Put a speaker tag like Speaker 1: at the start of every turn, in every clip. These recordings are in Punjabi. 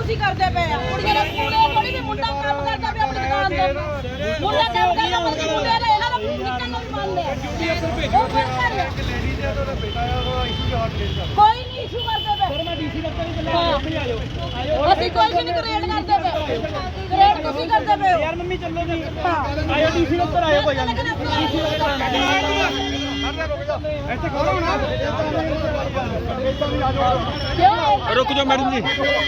Speaker 1: ਤੁਸੀਂ ਕਰਦੇ ਪਏ ਆ ਕੁੜੀਆਂ ਦੇ ਸਕੂਲੇ ਥੋੜੀ ਵੀ ਮੁੰਡਾ ਕੰਮ ਕਰਦਾ ਪਿਆ ਆਪਣੀ ਦੁਕਾਨ ਤੇ ਮੁੰਡਾ ਕੰਮ ਕਰਦਾ ਮੁੰਡੇ ਦਾ ਇਹਨਾਂ ਦਾ ਨਿਕਲਣ ਨੂੰ ਵੀ ਮੰਨਦੇ ਆ ਕੋਈ ਨਹੀਂ ਇਸ਼ੂ ਕਰਦੇ ਪਏ ਸਰ ਮੈਂ ਡੀਸੀ ਦਫ਼ਤਰ ਹੀ ਚੱਲਿਆ ਮੰਮੀ ਆ ਜਾਓ ਅਸੀਂ ਕੋਈ ਨਹੀਂ ਗ੍ਰੇਡ ਕਰਦੇ ਪਏ ਗ੍ਰੇਡ ਤੁਸੀਂ ਕਰਦੇ ਪਏ ਯਾਰ ਮੰਮੀ ਚੱਲੋ ਜੀ ਆਇਓ ਡੀਸੀ ਦਫ਼ਤਰ ਆਇਓ ਕੋਈ ਗੱਲ ਨਹੀਂ ਇੱਥੇ ਖੜੋ ਨਾ रुक जाओ मैडम जी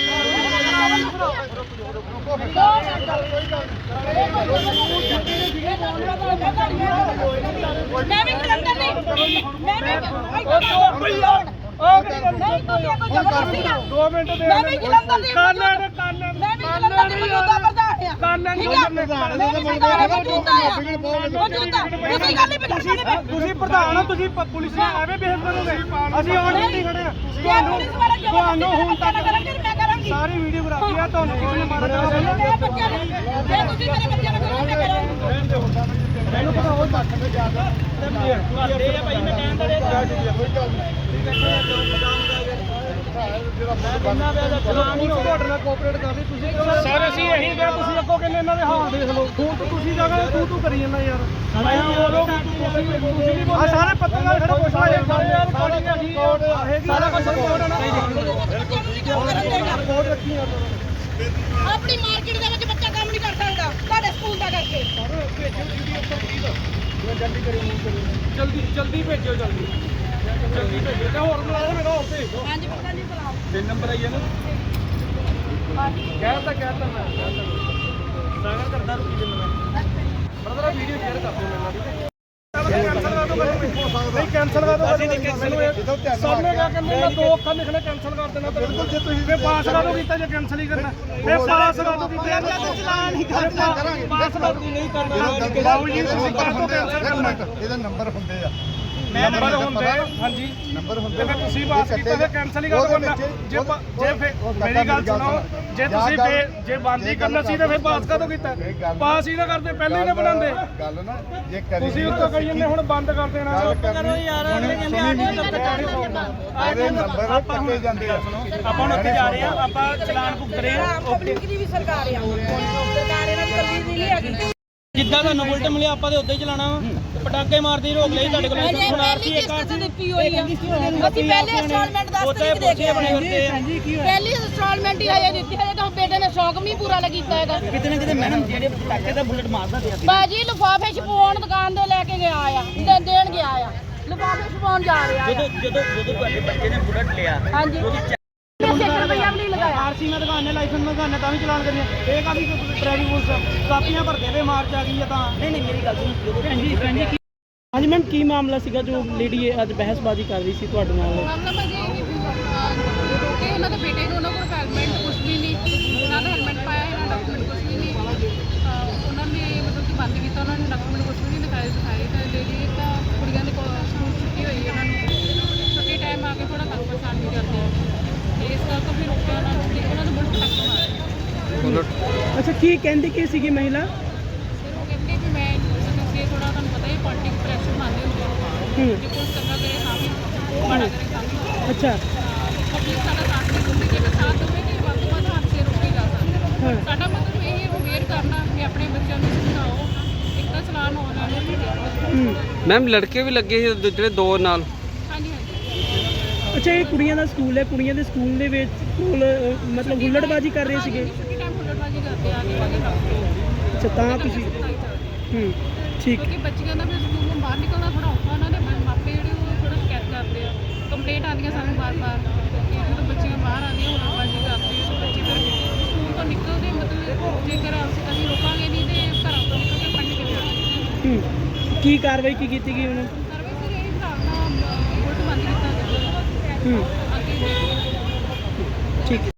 Speaker 1: प्रधान तुम पुलिस एवं बिहेव करोगे असं ऑन ड्यूटी खड़े हैं सारी वीडियोग्राफी है तो किसी ने मारा सर ਅਸੀਂ ਇਹੀ ਕਿਹਾ ਤੁਸੀਂ ਅੱਗੋਂ ਕਹਿੰਦੇ ਇਹਨਾਂ ਦੇ ਹਾਲ ਦੇਖ ਲਓ ਤੂੰ ਜਗ੍ਹਾ ਤੂੰ ਕਰੀ ਜਾਂਦਾ ਯਾਰ ਆ ਸਾਰੇ ਪੱਤਰਕਾਰ ਖੜੇ ਪੁੱਛ ਰਹੇ ਯਾਰ ਸਾਰਾ ਕੁਝ ਰਿਪੋਰਟ ਹੈ ਨਾ ਰਿਪੋਰਟ ਰੱਖੀ ਆ ਆਪਣੀ ਮਾਰਕੀਟ ਦੇ ਵਿੱਚ ਬੱਚਾ ਕੰਮ ਨਹੀਂ ਕਰ ਸਕਦਾ ਤੁਹਾਡੇ ਸਕੂਲ ਦਾ ਕਰਕੇ ਜਲਦੀ ਭੇਜਿਓ ਜਲਦੀ ਭੇਜੋ ਤੇ ਹੋਰ ਬੁਲਾਓ ਮੇਰਾ ਹੋਰ ਭੇਜ ਦਿਓ ਹਾਂਜੀ ਪਤਾ ਨਹੀਂ ਬੁਲਾਓ 3 ਨੰਬਰ ਆਈ ਹੈ ਨਾ ਕਹਿਤਾ ਮੈਂ ਸਾਗਰ ਕਰਦਾ ਰੁਕੀ ਜਿੰਨਾ ਮੈਂ ਬਰਦਰ ਵੀਡੀਓ ਸ਼ੇਅਰ ਕਰ ਦਿਓ ਮੈਨੂੰ ਨਹੀਂ ਕੈਂਸਲ ਕਰ ਦੋ ਅਸੀਂ ਨਹੀਂ ਕੈਂਸਲ ਹੋਇਆ ਸਾਹਮਣੇ ਕਿਆ ਕਹਿੰਦੇ ਮੈਂ 2 ਅੱਖਾਂ ਲਿਖਣੇ ਕੈਂਸਲ ਕਰ ਦੇਣਾ ਬਿਲਕੁਲ ਜੇ ਤੁਸੀਂ ਫੇ ਪਾਸ ਕਰ ਦੋ ਕੀਤਾ ਜੇ ਕੈਂਸਲ ਹੀ ਕਰਨਾ ਫੇ ਪਾਸ ਕਰ ਦੋ ਕੀਤਾ ਚਲਾਨ ਹੀ ਕਰਨਾ ਪਾਸ ਕਰ ਦੋ ਨਹੀਂ ਕਰਨਾ ਬਾਬੂ ਜੀ ਤੁਸੀਂ ਕਰ ਦੋ ਕੈਂਸਲ ਕਰਨਾ ਇਹਦਾ ਨੰਬਰ ਹੁੰਦੇ ਆ ਨੰਬਰ ਹੁੰਦੇ ਹਾਂਜੀ ਨੰਬਰ ਹੁੰਦੇ ਫਿਰ ਤੁਸੀਂ ਪਾਸ ਕੀਤਾ ਫਿਰ ਕੈਂਸਲ ਹੀ ਕਰ ਦੋ ਜੇ ਮੇਰੀ ਗੱਲ ਸੁਣੋ ਜੇ ਤੁਸੀਂ ਜੇ ਬੰਦ ਹੀ ਕਰਨਾ ਸੀ ਤਾਂ ਫਿਰ ਪਾਸ ਕਦੋਂ ਕੀਤਾ ਪਾਸ ਹੀ ਨਾ ਕਰਦੇ ਪਹਿਲੇ ਹੀ ਨਾ ਬਣਾਉਂਦੇ ਗੱਲ ਨਾ ਜੇ ਕਰੀ ਤੁਸੀਂ ਉੱਤੋਂ ਕਹੀ ਜਾਂਦੇ ਹੁਣ ਬੰਦ ਕਰ ਦੇਣਾ ਕਰੋ ਯਾਰ ਉਹਨੇ ਕਹਿੰਦੇ ਆਡੇ ਨੰਬਰ ਪੱਕੇ ਜਾਂਦੇ ਆ ਆਪਾਂ ਹੁਣ ਉੱਥੇ ਜਾ ਰਹੇ ਆ ਆਪਾਂ ਚਲਾਨ ਭੁਗਤ ਰਹੇ ਆ ਪਬਲਿਕ ਦੀ ਵੀ ਸਰਕਾਰ ਆ ਸਰਕਾਰ ਇਹਨਾਂ ਦੀ ਕੱਲੀ ਨਹੀਂ ਹੈਗੀ ਜਿੱਦਾਂ ਤੁਹਾਨੂੰ ਬੁਲਟ ਮਿਲਿਆ ਆਪਾਂ ਤੇ ਉੱਦਾਂ ਹੀ ਚਲਾਣਾ ਪਟਾਕੇ ਮਾਰਦੀ ਰੋਕ ਲਈ ਤੁਹਾਡੇ ਕੋਲ ਸੁਣਾਰਤੀ ਇੱਕ ਤੇ ਦਿੱਤੀ ਹੋਈ ਆ ਅਸੀਂ ਪਹਿਲੇ ਇੰਸਟਾਲਮੈਂਟ 10 ਤਰੀਕ ਦੇ ਕੇ ਆਪਣੇ ਵਰਤੇ ਪਹਿਲੀ ਇੰਸਟਾਲਮੈਂਟ ਹੀ ਆਇਆ ਦਿੱਤੀ ਹੈ ਤਾਂ ਬੇਟੇ ਨੇ ਸ਼ੌਕ ਵੀ ਪੂਰਾ ਕੀਤਾ ਹੈਗਾ ਕਿਤੇ ਨਾ ਕਿਤੇ ਮੈਡਮ ਜਿਹੜੇ ਪਟਾਕੇ ਦਾ ਬੁਲਟ ਮਾਰਦਾ ਪਿਆ ਸੀ ਬਾਜੀ ਲਿਫਾਫੇ ਛਪਾਉਣ ਦੁਕਾਨ ਤੇ ਲੈ ਕੇ ਗਿਆ ਆ ਦੇਣ ਗਿਆ ਆ ਲਿਫਾਫੇ ਛਪਾਉਣ ਜਾ ਰਿਹਾ ਜਦੋਂ ਤੁਹਾਡੇ ਬੱਚੇ ਨੇ ਬੁਲਟ ਲਿਆ ਹਾਂਜੀ आरसी में दुकान है लाइसेंस में दुकान है भी चलान करिए ये काफी ट्रैफिक पुलिस कापियां भरते हुए मार्च आ गई है नहीं मेरी गल हाँ जी मैम की मामला सीगा जो लेडी अज बहसबाजी कर रही सी तुहाडे नाल मामला भाजी कि उन्हां दे बेटे ਨੂੰ ਉਹਨਾਂ ਕੋਲ ਹੈਲਮਟ ਕੁਝ ਵੀ ਨਹੀਂ ਉਹਨਾਂ ਦਾ ਹੈਲਮਟ ਪਾਇਆ ਇਹਨਾਂ ਦਾ ਡਾਕੂਮੈਂਟ ਕੁਝ ਵੀ ਨਹੀਂ ਉਹਨਾਂ ਨੇ ਮਤਲਬ ਕਿ ਬੰਦ ਕੀਤਾ ਉਹਨਾਂ ਨੇ ਡਾਕੂਮੈਂਟ ਕੁਝ ਵੀ ਨਹੀਂ ਦਿਖਾਏ ਤਾਂ ਲੇਡੀ ਤਾਂ ਕੁੜੀਆਂ ਦੇ ਕੋਲ ਸਕੂਲ ਛੁੱਟੀ ਹੋਈ ਉਹਨਾਂ ਨੂੰ ਛੁੱਟੀ ਟਾਈਮ ਆ ਕੇ ਥੋੜਾ ਕੰਮ ਪਰੇਸ਼ਾਨ ਵੀ ਕਰਦੇ ਇਸ ਕਰਕੇ ਫਿਰ ਰੁਕਿਆ ਉਹਨਾਂ ਨੂੰ ਬੁਲਟ ਟੱਕ ਮਾਰਿਆ ਅੱਛਾ ਕੀ ਕਹਿੰਦੀ ਕੀ ਸੀਗੀ ਮਹਿਲਾ ਫਿਰ ਉਹ ਕਹਿੰਦੇ ਕਿ ਮੈਂ ਤੁਸੀਂ ਥੋੜਾ ਤੁਹਾਨੂੰ ਪਤਾ ਹੀ ਪੋਲਿਟਿਕ ਪ੍ਰੈਸ਼ਰ ਮੰਨਦੇ ਹੁੰਦੇ ਕਿ ਕੋਈ ਚੰਗਾ ਕਰੇ ਤਾਂ ਵੀ ਮਾੜਾ ਕਰੇ ਤਾਂ ਵੀ ਅੱਛਾ ਪਬਲਿਕ ਸਾਡਾ ਸਾਥ ਨਹੀਂ ਦਿੰਦੀ ਜੇ ਸਾਥ ਦੇਵੇ ਕਿ ਵੱਧ ਤੋਂ ਵੱਧ ਹਾਦਸੇ ਰੋਕੇ ਜਾ ਸਕਦੇ ਸਾਡਾ ਮਤਲਬ ਇਹ ਅਵੇਅਰ ਕਰਨਾ ਕਿ ਆਪਣੇ ਬੱਚਿਆਂ ਨੂੰ ਸਮਝਾਓ ਇੱਕ ਤਾਂ ਚਲਾਨ ਹੋਣ ਵਾਲੇ ਮੈਮ ਲੜਕੇ ਵੀ ਲੱਗੇ ਸੀ ਜਿਹੜੇ ਦੋ ਨਾਲ ਅੱਛਾ ਇਹ ਕੁੜੀਆਂ ਦਾ ਸਕੂਲ ਹੈ ਕੁੜੀਆਂ ਦੇ ਸਕੂਲ ਦੇ ਵਿੱਚ ਮਤਲਬ ਹੁੱਲੜਬਾਜੀ ਕਰ ਰਹੇ ਸੀਗੇ ਅੱਛਾ ਤਾਂ ਤੁਸੀਂ ਠੀਕ ਕਿਉਂਕਿ ਬੱਚਿਆਂ ਦਾ ਫਿਰ ਸਕੂਲ ਤੋਂ ਬਾਹਰ ਨਿਕਲਣਾ ਥੋੜਾ ਔਖਾ ਉਹਨਾਂ ਦੇ ਮਾਪੇ ਜਿਹੜੇ ਉਹ ਥੋੜਾ ਸ਼ਿਕਾਇਤ ਕਰਦੇ ਆ ਕੰਪਲੇਂਟ ਆਉਂਦੀਆਂ ਸਾਨੂੰ ਬਾਰ-ਬਾਰ ਕਿ ਜਦੋਂ ਬੱਚੀਆਂ ਬਾਹਰ ਆਉਂਦੀਆਂ ਹੁੱਲੜਬਾਜੀ ਕਰਦੇ ਆ ਬੱਚੇ ਫਿਰ ਸਕੂਲ ਤੋਂ ਨਿਕਲਦੇ ਮਤਲਬ ਜੇਕਰ ਅਸੀਂ ਰੋਕਾਂਗੇ ਨਹੀਂ ਤੇ ਘਰਾਂ ਤੋਂ ਨਿਕਲ ਕੇ ਪੜ੍ਹਨ ਕਿਵੇਂ ਆਉਣਗੇ ਕੀ ਕਾਰਵਾਈ ਕੀ ਕੀਤੀ ਗਈ ਉਹਨੂੰ ਕਾਰਵਾਈ ਫਿਰ ਇਹ ਹਿਸਾਬ ਨਾਲ ਉਲਟ ਬੰਦ ਕੀਤਾ ਜਾਵੇ ठीक है।